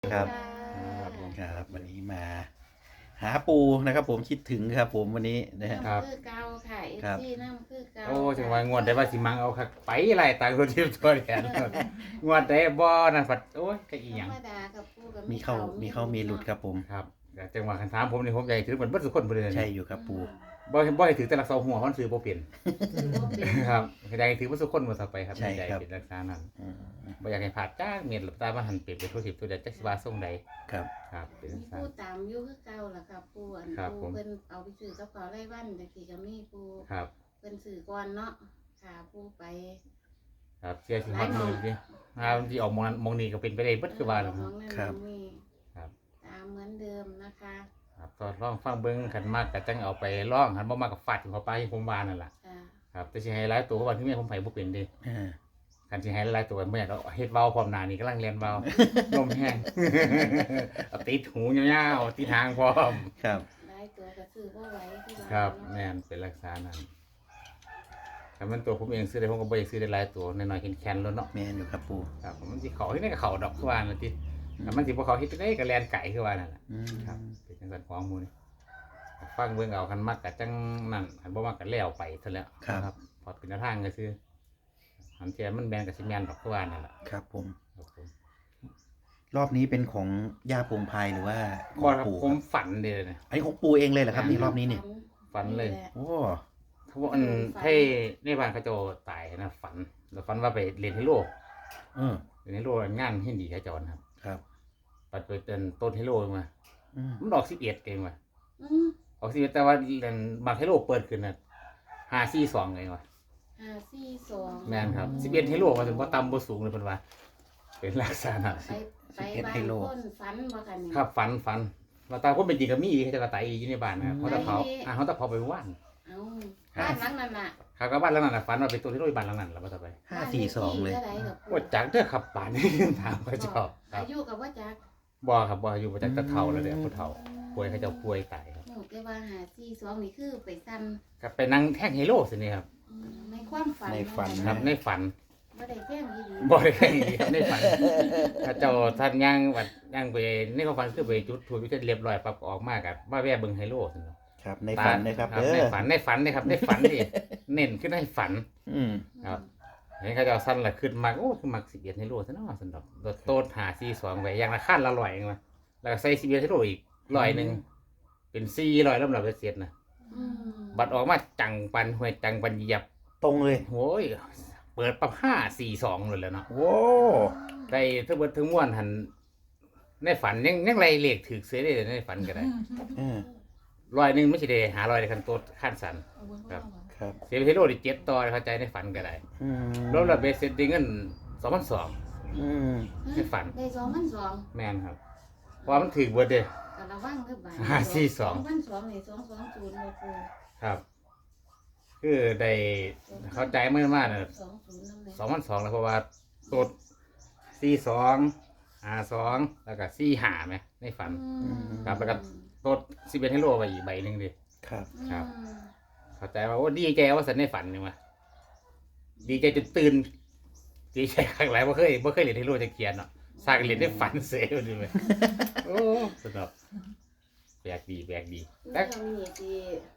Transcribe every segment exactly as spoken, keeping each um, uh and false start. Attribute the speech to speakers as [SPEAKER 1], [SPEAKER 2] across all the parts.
[SPEAKER 1] ครับ
[SPEAKER 2] ครับผม
[SPEAKER 1] ครับวันนี้มา หาปูนะครับผมคิดถึงครับผมวันนี้นะฮะ
[SPEAKER 2] ครับ
[SPEAKER 3] น้ำคือเก่าค่ะเอฟ
[SPEAKER 1] ครับ
[SPEAKER 3] ซีน้ำคือเก่า
[SPEAKER 2] โอ้จังหวะงวดได้ว่าสิมังเอาคักไปไรต่างคนที่ตัวแทนงวดได้บ่นั่นฝัดโอ้ยก็อีห
[SPEAKER 3] ธร
[SPEAKER 2] ยัง
[SPEAKER 3] รมดากับปูกับ
[SPEAKER 1] มีเข้ามีเข้ามีหลุดครับผม
[SPEAKER 2] ครับแต่จังหวะคันถามผมนี่ผมอยากให้ถือเหมือนเบิดทุกคนบ่ได้
[SPEAKER 1] ใช่อยู่ครับปู
[SPEAKER 2] บ่บ่ให้ถือแต่ลักษาหัวมันซื้อบ่เปลี่ยน
[SPEAKER 3] ถือว่าเป็น
[SPEAKER 2] ครับอยากให้ถือว่าทุกคนบ่ต่อไปครับ
[SPEAKER 1] ใช่
[SPEAKER 2] ใจ
[SPEAKER 1] ครับ
[SPEAKER 2] เป็นลักษณะนั้น
[SPEAKER 1] อืม
[SPEAKER 2] บ่อยากให้พลาดจ้าเม็ดหลับตามาหันเปลี่ยนไปทั่วทิศทั่วแดนจักสิว่าส่งใด
[SPEAKER 1] ครับ
[SPEAKER 2] ครับเป็น
[SPEAKER 3] มี
[SPEAKER 2] ลักษณะ
[SPEAKER 3] ปูตามอยู่คือเก่าล่ะค่ะปูอัน
[SPEAKER 2] ครับ
[SPEAKER 3] ปู
[SPEAKER 2] ผม
[SPEAKER 3] เพิ่นเอาไปซื้อกับเขาไร่วันแต่กี่ก็มีปู
[SPEAKER 2] ครับ
[SPEAKER 3] เพิ่นซื้อก่อนเนาะค่ะปูไป
[SPEAKER 2] ครับเสียสิฮอดมือดิถ้ามันสิออกมองนั้นมองนี้ก็เป็นไปได้เบิดคือว่าแหล้ว
[SPEAKER 3] ข
[SPEAKER 2] ค
[SPEAKER 3] อ
[SPEAKER 2] รับ
[SPEAKER 3] งนั่น
[SPEAKER 1] ครับ
[SPEAKER 3] มี
[SPEAKER 2] ครับ
[SPEAKER 3] ตามเหมือนเดิมนะคะ
[SPEAKER 2] ครับก็ลองฟังเบิ้งขันมากก็จังเอาไปลองขันบ่มากก็ฟาดถึงเขาไปให้ผมวานั่นแหละ
[SPEAKER 3] ค่ะ
[SPEAKER 2] ครับแต่สิให้หลายตัววันที่แม่ผมไผบ่เป็นเด้
[SPEAKER 1] อ่า
[SPEAKER 2] คันสิให้หลายตัวบ่อยากเอาเฮ็ดเว้าพร้อมหน้านี่กำลังเรียนเว้า ลมแห้ง เอาติดหูยาวๆติดหางพร้อม
[SPEAKER 1] ครับ
[SPEAKER 3] หลายตัวก็ซื้อบ่ไหวคือว่า
[SPEAKER 2] ครับ
[SPEAKER 3] เนาะ
[SPEAKER 2] แม่นเป็นลักษณะนั้นแต่มันตัวผมเองซื้อได้ผมก็บ่อยากซื้อได้หลายตัวน้อยๆแข็งๆแล้วเนาะ
[SPEAKER 1] แมนอยู่ครับปู
[SPEAKER 2] ครับมันสิเข้าเฮ็ดได้ก็เข้าดอกคือว่านั่นติแต่มันสิบ่เข้าเฮ็ดได้ก็แล่นไก่คือว่านั่นแหละ
[SPEAKER 1] อืม
[SPEAKER 2] ครับเป็นจังซั่นของหมู่นี่ฟังเบิ่งเอาคันมักก็จังนั่นคันบ่มักก็แล้วไปเท่านั้นแหละครับพอเป็นแนวทางก็คือหันเทียมันแม่นก็สิแม่นดอกคือว่านั่นแหละ
[SPEAKER 1] ครับผม
[SPEAKER 2] ครับผม
[SPEAKER 1] รอบนี้เป็นของย่าพงพายหรือว่าข
[SPEAKER 2] บ่
[SPEAKER 1] อง
[SPEAKER 2] ครับ
[SPEAKER 1] ปู่
[SPEAKER 2] ผ
[SPEAKER 1] ค
[SPEAKER 2] ม
[SPEAKER 1] รับ
[SPEAKER 2] ฝันเด้อเนี่ย
[SPEAKER 1] อันนี้ของปูเองเลยเหรอครับนี่รอบนี้เนี่ย
[SPEAKER 2] ฝันเลย
[SPEAKER 3] แหะ
[SPEAKER 1] โอ้
[SPEAKER 2] เขาบอกอันให้ในบ้านเขาเจ้าตายนะฝันแล้วฝันว่าไปเรียนเฮโร่
[SPEAKER 1] เออ
[SPEAKER 2] เรียนเฮโร่งานให้ดีเขาเจ้านะครับ
[SPEAKER 1] ครับ
[SPEAKER 2] ปัดไปเต้นต้นเฮโร่มา
[SPEAKER 1] อืม
[SPEAKER 2] มันออกสิบเอ็ดเองว่ะ
[SPEAKER 3] อืม
[SPEAKER 2] ออกสิบเอ็ดแต่ว่าเรียนบางเฮโร่เปิดขึ้นน่ะห้าสี่สองเองว่ะ
[SPEAKER 3] ห้าสี่สอง
[SPEAKER 2] แม่นครับสิบเอ็ดเฮโร่มาถึงว่าต่ำบ่สูงเลยเพิ่นว่าเป็นลักษณะ
[SPEAKER 3] ไปไปบ้านคนฝันบ่กันนี่
[SPEAKER 2] ครับฝันฝันว่าตาคนเป็นจริงก็มีเขาเจะกระตายอยู่ในบ้านนะครับเขาตะเผาอ่าเขาตะเผาไปว่าน
[SPEAKER 3] เอาบ้านหลังนั้นน่ะ
[SPEAKER 2] เขาก็บ้านหลังนั้นน่ะฝันว่าเป็นตัวที่โรยบ้านหลังนั้นแล้วว่าต่อไป
[SPEAKER 1] ห้าสี่สองเลย
[SPEAKER 3] บ้านขที่ท่าใดกับ
[SPEAKER 2] ว่าจักเด้อครับป่านนี้ ถามเขาเจ้าครั
[SPEAKER 3] อา
[SPEAKER 2] บ
[SPEAKER 3] ยุกับว่าจัก
[SPEAKER 2] บ่ครับบ่อยู่บ่จักแตะเฒ่าแล้วเด้อผู้เฒ่าป่วยเขาเจ้าป่วยตายครับ
[SPEAKER 3] หนูแต่ว่าหาสี่สองนี่คือไปซ้
[SPEAKER 2] ครับไปนั่งแท่งเฮโร่สินี่ครับ
[SPEAKER 3] ำอืมในความฝัน
[SPEAKER 1] ในฝัน
[SPEAKER 2] ครับในฝัน
[SPEAKER 3] บ่ได้แจ้งอีหลี
[SPEAKER 2] บ่ได้แค่นี้ครับในฝันถ้าเจ้าท่านย่างวัดย่างไปในความฝันคือไปจุดถูกจุดเรียบร้อยปั๊บก็ออกมากับมาแว่เบิ่งเฮโร่ซั่นเนาะ
[SPEAKER 1] ครับในฝันนะครับ
[SPEAKER 2] ครับ
[SPEAKER 1] เด้
[SPEAKER 2] ใน
[SPEAKER 1] อ
[SPEAKER 2] ฝันในฝันนี่ครับในฝันนี่ เน้นขึ้นในฝัน
[SPEAKER 1] อืม
[SPEAKER 2] ครับ เห็นเขาเจ้าสั้นละขึ้นมากโอ้คือมักสิบเอ็ดให้โลซะเนาะสำหรับรถโต๊ดหาซีสองไว้อย่างละขั้นละร้อยเองมาแล้วก็ใส่สิบเอ็ดให้โลอีกร้อยหนึ่งเป็นสี่ร้อยลำดับเสร็จนะ
[SPEAKER 3] อืม
[SPEAKER 2] บัตรออกมาจังปันห้วยจังปันเหยียบ
[SPEAKER 1] ตรงเลย
[SPEAKER 2] โอ้ยเปิดปั๊บห้าสี่สองเลยแหล้วเนาะ
[SPEAKER 1] โว้
[SPEAKER 2] ได้ทั้งเบิดทั้งม้วนหันในฝันยังยังไรเลขถือเสียได้เลยในฝันก็ได้
[SPEAKER 1] เออ
[SPEAKER 2] ร้อยหนึ่งไม่ใช่ได้หาร้อยในคันโต๊ดขั้นสัน ครับ
[SPEAKER 1] ครับ
[SPEAKER 2] เสียไปให้โลดิเจ็ดต่อเข้าใจในฝันก็ได้
[SPEAKER 1] อืม
[SPEAKER 2] รวมแล้วเบสเซ็ตดิ้งเงินสองพันสอง
[SPEAKER 1] อืม
[SPEAKER 2] ในฝัน
[SPEAKER 3] ได้สองพันสอง
[SPEAKER 2] แม่นครับเพราะว่ามันถือเบิดเด้
[SPEAKER 3] ก็ระวังเด้อบ้าน
[SPEAKER 2] ห้าสี่สอง
[SPEAKER 3] สองพันสองนี่สองสองศูนย์บ่ปู
[SPEAKER 2] ครับ คือได้เข้าใจเมื่อมากนะ
[SPEAKER 3] สองศูนย์นั่นแหละ
[SPEAKER 2] สองพันสองแล้วเพราะว่าตัวสี่สองหาสองแล้วก็สี่หาไหมในฝัน
[SPEAKER 3] อืม
[SPEAKER 2] ครับแล้วก็ ตัวสิบเอ็ดให้โลไปอีกใบหนึ่งดิ
[SPEAKER 1] ครับ
[SPEAKER 2] ครับ
[SPEAKER 3] อืม
[SPEAKER 2] เข้าใจว่าโอ้ดีใจว่าสันในฝันนี่วะดีใจจนตื่นดีใจครั้งหลายว่าเคยว่าเคยเรียนให้โลจะเขียนเนาะสร้างเรียนได้ฝันเสียอยู่ไหมโอ้สนุกแปลกดีแปลกดี
[SPEAKER 3] แล้
[SPEAKER 2] แต่
[SPEAKER 3] วมีที่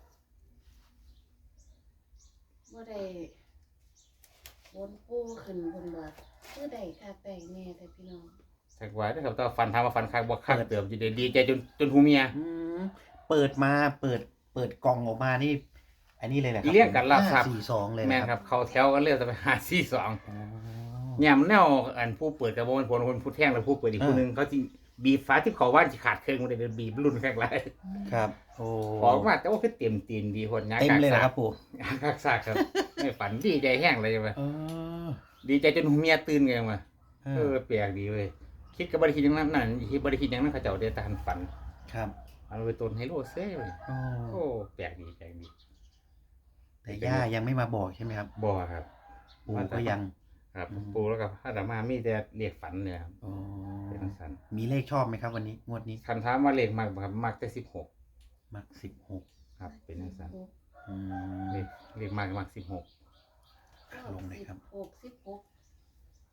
[SPEAKER 3] บ่ได้บนปูขึ้นบนบ่คือได้ค่าแต่งแน่แต่พี่น้อง
[SPEAKER 2] สักไว้นะครับแต่ฟันทำมาฟันคักบอกคักเติมจีดีใจจนจนหูเมีย
[SPEAKER 1] อืมเปิดมาเปิดเปิดกล่องออกมานี่ อันนี้เลยแหละครั
[SPEAKER 2] เรียกกันรับทรัพย์
[SPEAKER 1] ห้สี่สองเลยนะ
[SPEAKER 2] แม่นครับเขาแถวกันเรียกจะไปหาซี่สอง
[SPEAKER 1] อ๋อ
[SPEAKER 2] เนี่ยมันแนวอันผู้เปิดกระบอกผลคนผู้แท่งแล้วผู้เปิดอีกคนนึงเขาจีบีบฟ้าที่เขาว่านจะขาดเครื่องมันเลยบีบรุ่นแค่ไร
[SPEAKER 1] ครับ โอ้
[SPEAKER 2] ออกมาแต่ว่าคือเต็มตีนดีคนงาน
[SPEAKER 1] เต็ม
[SPEAKER 2] กาก
[SPEAKER 1] เลยเหรอ
[SPEAKER 2] ซา
[SPEAKER 1] ค
[SPEAKER 2] ก
[SPEAKER 1] รับปู่
[SPEAKER 2] งานกากซากครับไม่ฝันดีใจแห้งเลยใช่ไหม
[SPEAKER 1] เออ
[SPEAKER 2] ดีใจจนหูเมียตื่นไงมา
[SPEAKER 1] เอ
[SPEAKER 2] เอ
[SPEAKER 1] อ
[SPEAKER 2] อแปลกดีเว้ยคิดกับบริคิดอย่างนั้นนั่นคิดบริคิดอย่างนั้นเขาเจ้าเดตานฝัน
[SPEAKER 1] ครับ
[SPEAKER 2] มันไปต้นไฮโลเซ่เลย
[SPEAKER 1] โอ้
[SPEAKER 2] โอ้แปลกดีแปลกดี
[SPEAKER 1] แต่ย่ายังไม่มาบอกใช่ไหมครับ
[SPEAKER 2] บ่ครับ
[SPEAKER 1] ปู่ก็ยัง
[SPEAKER 2] ครับ
[SPEAKER 1] อืม
[SPEAKER 2] ปูแล้วกับพระดามามีแต่เรียกฝันเนี่ยครับ
[SPEAKER 1] อ๋อ
[SPEAKER 2] เป็นทังสัน
[SPEAKER 1] มีเลขชอบไหมครับ วันนี้งวดนี้
[SPEAKER 2] คันถามว่าเลขมากบ่ครับมากแต่สิบหก
[SPEAKER 1] มักสิบหก
[SPEAKER 2] ครับ เป็นทังสัน
[SPEAKER 1] อืม
[SPEAKER 2] เลขเลขมากมากสิบหก
[SPEAKER 1] ลงเลยครับ
[SPEAKER 3] หกสิบหกเ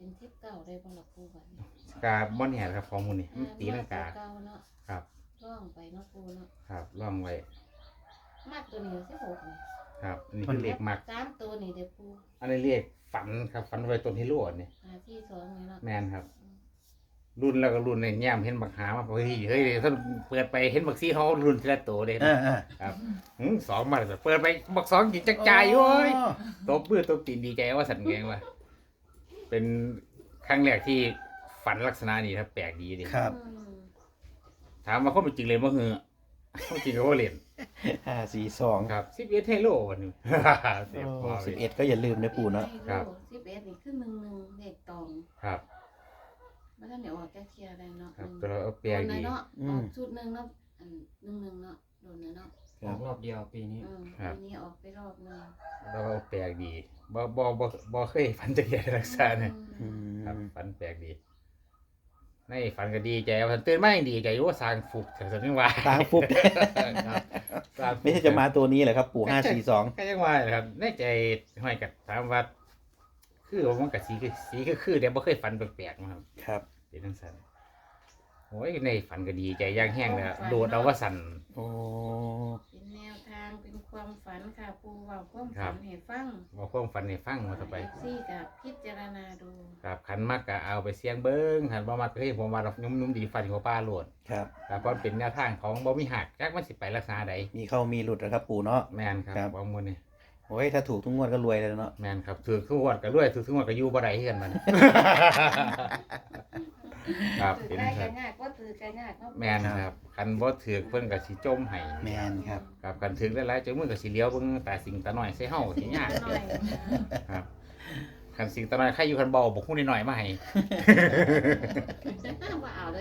[SPEAKER 3] เป็นทิศเก่าได้บ่ล่ะปูบัดนี้
[SPEAKER 2] กาบ่แน่ครับของมูนี่มันตีลังกา
[SPEAKER 3] เก่าเนาะ
[SPEAKER 2] ครับ
[SPEAKER 3] ร่องไปเนาะปูเนาะ
[SPEAKER 2] ครับล่องไว้
[SPEAKER 3] มากตัวนี้สิบหกนี่
[SPEAKER 2] ครับอันนี้คือเลขมัก
[SPEAKER 3] สามตัวนี่เด้อปู
[SPEAKER 2] อันนี้เรียกฝันครับฝันไว้ต้นฮิโร่นี่
[SPEAKER 3] หาที่สองนี่เนาะ
[SPEAKER 2] แม่นครับ รุ่นแล้วก็รุ่นในแย้มเห็นบักหามาเฮ้ยเฮ้ยท่านเปิดไปเห็นบักซีเขารุ่นทีละตัวเลย
[SPEAKER 1] เออเออ
[SPEAKER 2] ครับหืมสองมาเลยเปิดไปบักสองกินจักจ่ายอยู่เว้ยตบมือตบตีนดีใจว่าสันแกงว่าเป็นครั้งแรกที่ฝันลักษณะนี้ครับแปลกดีดิ
[SPEAKER 1] ครับ
[SPEAKER 3] อืม
[SPEAKER 2] ถามว่าเขาเป็นจริงเลยว่าเหือเขาจริงก็ว่าเล่น
[SPEAKER 1] ห้าสี่สอง
[SPEAKER 2] ครับสิบเอ็ดเทโลวันนี้ เสียพอ
[SPEAKER 1] สิบเอ็ดก็อย่าลืมนะปู่เนาะ
[SPEAKER 2] ครับ
[SPEAKER 3] สิบเอ็ดนี่คือหนึ่งหนึ่งเลขตอง
[SPEAKER 2] ครับ
[SPEAKER 3] มาท่านเดี๋ยวออกแก้เคลียร์ได้เนาะ
[SPEAKER 2] ครับ
[SPEAKER 3] หนึ่ง
[SPEAKER 2] ตัวเราแปล
[SPEAKER 3] โด
[SPEAKER 2] ก
[SPEAKER 3] นนะ
[SPEAKER 2] ดี
[SPEAKER 3] เนาะออกชุดหนึ่งเนาะอันหนึ่งหนึ่งเนาะโดนนะเนาะ
[SPEAKER 1] ค
[SPEAKER 4] อ
[SPEAKER 1] รั
[SPEAKER 4] อบ กรอบเดียวปีนี้
[SPEAKER 3] อืม
[SPEAKER 2] ครับ
[SPEAKER 3] ทีนี้ออกไปรอบหนึง
[SPEAKER 2] เราแปลกดีบ่บ่บ่บ่เคยฝันจะเห็นลักษณะเนี่ย
[SPEAKER 1] อืม
[SPEAKER 2] ครับฝันแปลกดีในฝันก็ดีใจฝันตื่นมายังดีใจอยู่ว่าสร้างฟุกแต่สันนิว่า
[SPEAKER 1] ตางฟุก
[SPEAKER 2] ครับสร้างฟุก
[SPEAKER 1] ไม่ใช่จะมาตัวนี้เหรอครับ ปู่ห้าสี่สอง
[SPEAKER 2] ก็ยังว่าเลยครับในใจห้อยกับถามว่า คือว่ามันกับสีคือสีคือคือเดี๋ยวบ่เคยฝันแปลกๆมาครับ
[SPEAKER 1] ครับ
[SPEAKER 2] เป็นทั้งสันโอ้ยในฝันก็ดีใจย่างแห้งเลยอะโดดเอาว่าสัน
[SPEAKER 1] โอ้
[SPEAKER 3] เป็นแนวทางเป็นความฝันค่ะปูเว่าความ
[SPEAKER 2] ครั
[SPEAKER 3] ฝั
[SPEAKER 2] บ
[SPEAKER 3] นให้ฟัง
[SPEAKER 2] มาความฝันให้ฟังมาต่อไป
[SPEAKER 3] ซี่กับพิจารณาดู
[SPEAKER 2] ครับขันมากก็เอาไปเสี่ยงเบิ้งขันบ่มากก็ให้ผมว่าเรานุ่มนุ่มๆดีฟันหัวป้าโหลด
[SPEAKER 1] ครับ
[SPEAKER 2] ครับเพราะเป็นแนวทางของบ่มีหักจักมันสิไปลักษณะใด
[SPEAKER 1] มีเข้ามีหลุดนะครับ ปู่เนาะ
[SPEAKER 2] แมนครับ
[SPEAKER 1] ครับ
[SPEAKER 2] บางมื้อนี่
[SPEAKER 1] โอ้ยถ้าถูกทุกงวดก็รวยเลยเนาะ
[SPEAKER 2] แมนครับถือทุกงวดก็รวยถือทุกงวดก็อยู่บ่ได้คือกันมัน ครับ
[SPEAKER 3] ถือ
[SPEAKER 2] เป็น
[SPEAKER 3] ได้
[SPEAKER 2] ครั
[SPEAKER 3] กับ นยากก็ถือกันยากเนาะ
[SPEAKER 2] แมนครับคันบ่ถือเพิ่นก็สิจมให้
[SPEAKER 1] แมนครับ
[SPEAKER 2] ครับคันถือหลายๆจังมือก็สิเลี้ยวเบิ่งตาสิงตาน้อยใส่เฮาสิยาก
[SPEAKER 3] หน่อย
[SPEAKER 2] ครับคันสิงตาน้อยใครอยู่คันเบาบอกฮู้น้อยๆมาให้
[SPEAKER 3] ว่าเอาเลย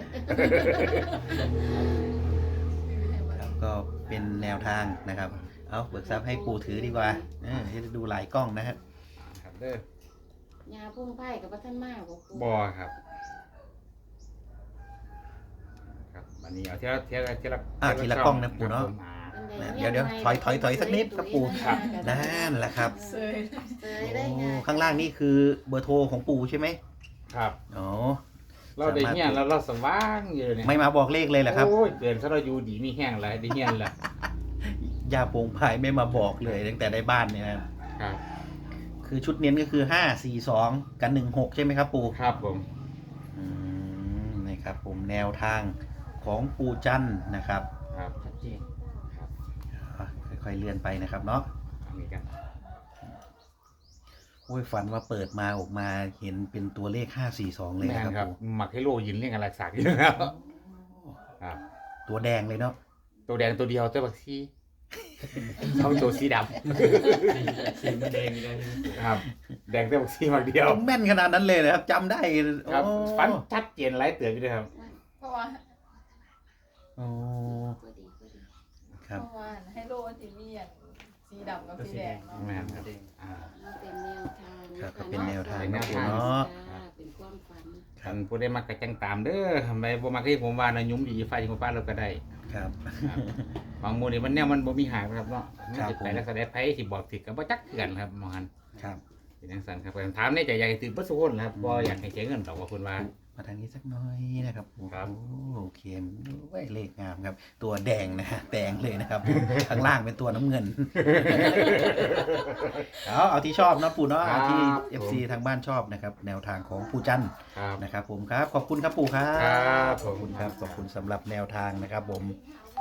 [SPEAKER 1] ครับก็เป็นแนวทางนะครับ เอาเบิกทรัพย์ให้ปู่ถือดีกว่าเออจะดูหลายกล้องนะครับ
[SPEAKER 2] ครับเด้อย
[SPEAKER 3] าพุ่งไผ่กับพระท่านมากบอกปู
[SPEAKER 2] บ่ครับ ครับอันนี้เอาเทีละเทีละเทีละ
[SPEAKER 1] อ่ะทีละกล้องนะปู่เนาะ
[SPEAKER 2] ครับผมอ่า
[SPEAKER 1] เดี๋ยวเดี๋ยวถอยถอยถอยสักนิดครับปู่
[SPEAKER 2] ครับ
[SPEAKER 1] นั่นแหละครับ
[SPEAKER 3] เซยเซยได้ไง
[SPEAKER 1] โอ้ข้างล่างนี่คือเบอร์โทรของปู่ใช่ไหม
[SPEAKER 2] ครับ
[SPEAKER 1] อ๋อ
[SPEAKER 2] เราได้เฮียนแล้วเราสว่างอยู่เนี่ย
[SPEAKER 1] ไม่มาบอกเลขเลยเหรอครับ
[SPEAKER 2] โอ้ยเกินซะเราอยู่ดีมีแห้งแล้วได้เฮียนแล้ว
[SPEAKER 1] ยาโปงพายไม่มาบอกเลยตั้งแต่ได้บ้านเนี่ยนะครับ
[SPEAKER 2] ครับ
[SPEAKER 1] คือชุดเน้นก็คือห้าสี่สองกันหนึ่งหกใช่ไหมครับปู่
[SPEAKER 2] ครับผม
[SPEAKER 1] อืมนี่ครับผมแนวทางของปู่จันทร์นะครับ
[SPEAKER 2] ครับ
[SPEAKER 4] ชัดเจน
[SPEAKER 2] ครับ
[SPEAKER 1] อ่ะค่อยๆเลื่อนไปนะครับเนาะ
[SPEAKER 2] อันนี้กัน
[SPEAKER 1] โอ้ยฝันว่าเปิดมาออกมาเห็นเป็นตัวเลขห้าสี่สองเลย
[SPEAKER 2] แม่
[SPEAKER 1] นะ
[SPEAKER 2] น
[SPEAKER 1] ค
[SPEAKER 2] ค
[SPEAKER 1] รั
[SPEAKER 2] รั
[SPEAKER 1] บบ ปู่
[SPEAKER 2] หมักให้โลยินเรียกอะไรสักอยู่แล้วครับ
[SPEAKER 1] ตัวแดงเลยเนาะ
[SPEAKER 2] ตัวแดงตัวเดียวตัวบักซีเขาตัวสีด
[SPEAKER 4] สีมันแดงอยู่แล้ว
[SPEAKER 2] ำครับ แดงตัวบักซีมักเดียว
[SPEAKER 1] แม่นขนาดนั้นเลยนะครับจำได้
[SPEAKER 2] ครับ
[SPEAKER 1] โอ้
[SPEAKER 2] ฟันชัดเจนหลายเตือนอยู่ด้วยครับ
[SPEAKER 5] เพราะว่า
[SPEAKER 1] โอ้
[SPEAKER 3] ก็ดีก็ดี
[SPEAKER 1] ครับ
[SPEAKER 5] เพราะว่าให้โลมันจะมีอย่างสีดำกับ
[SPEAKER 4] ตัว
[SPEAKER 5] สี
[SPEAKER 4] สี
[SPEAKER 5] แด
[SPEAKER 4] แด
[SPEAKER 5] ง
[SPEAKER 4] ง
[SPEAKER 5] เนาะ
[SPEAKER 2] แม่นครับอ่า
[SPEAKER 3] มันเป็นแนวทาง
[SPEAKER 1] ครับ
[SPEAKER 3] ะ
[SPEAKER 1] ก็เป็นแนวทาง
[SPEAKER 2] เป็นแน
[SPEAKER 1] นะ
[SPEAKER 2] ว
[SPEAKER 1] ปู่
[SPEAKER 2] ทาง
[SPEAKER 1] เนาะ
[SPEAKER 3] จ้าเป็นความฝัน
[SPEAKER 2] คันผู้ได้มักกระจังตามเด้อทำไมบ่มักให้ผมว่านะยุ่มดีไฟของป้าเราก็ได้
[SPEAKER 1] ครับ
[SPEAKER 2] ครับบางหมู่นี่มันแนวมันบ่มีหางนะครับเนาะมัน
[SPEAKER 1] ครับ
[SPEAKER 2] สิไปลักษณะไผสิบอกถึกก็บ่จักคือกันครับหมอหัน
[SPEAKER 1] ครับ
[SPEAKER 2] เป็นจังซั่นครับถามในใจอยากให้ตื่นเบ่สุคนนะครับบ่อยากให้เสียเงินดอกว่าเพิ่นว่า
[SPEAKER 1] มาทางนี้สักหน่อยนะครับโอ้
[SPEAKER 2] ครับ
[SPEAKER 1] โอเคโอ้ยเลขงามครับ ตัวแดงนะฮะแดงเลยนะครับ ข้างล่างเป็นตัวน้ำเงิน เอาเอาที่ชอบนะปู่เนาะเอาที่ เอฟ ซี ทางบ้านชอบนะครับ แนวทางของปู่จันทร์
[SPEAKER 2] ครับ
[SPEAKER 1] นะครับผมครับ ขอบคุณครับปู่ครับ
[SPEAKER 2] ครับ
[SPEAKER 1] ขอบคุณครับ ขอบคุณสำหรับแนวทางนะครับผม